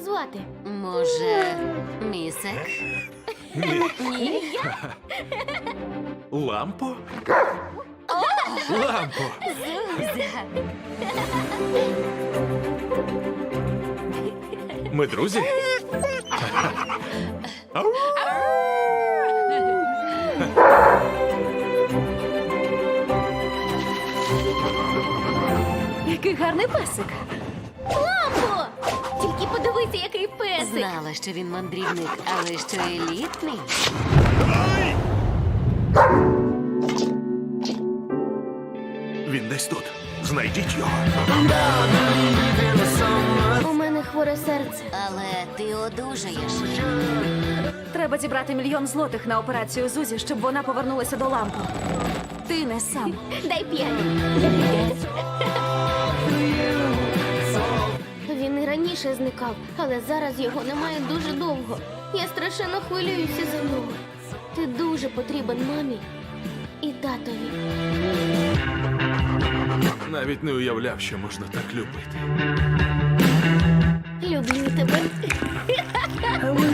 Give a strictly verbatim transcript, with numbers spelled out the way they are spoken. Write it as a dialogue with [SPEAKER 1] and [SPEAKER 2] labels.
[SPEAKER 1] звати?
[SPEAKER 2] Може, місек? Ні.
[SPEAKER 3] Лампо? Лампо! Ми друзі? Ау!
[SPEAKER 4] Який гарний песик.
[SPEAKER 1] Лампо! Тільки подивися, який песик.
[SPEAKER 2] Знала, що він мандрівник, але що елітний.
[SPEAKER 3] Він десь тут. Знайдіть його.
[SPEAKER 1] У мене хворе серце.
[SPEAKER 2] Але ти одужаєш.
[SPEAKER 4] Треба зібрати мільйон злотих на операцію Зузі, щоб вона повернулася до лампи. Ти не сам.
[SPEAKER 1] Дай п'ять. Він і раніше зникав, але зараз його немає дуже довго. Я страшенно хвилююся за нього. Ти дуже потрібен мамі і татові.
[SPEAKER 3] Навіть не уявляв, що можна так любити.
[SPEAKER 1] Люблю тебе.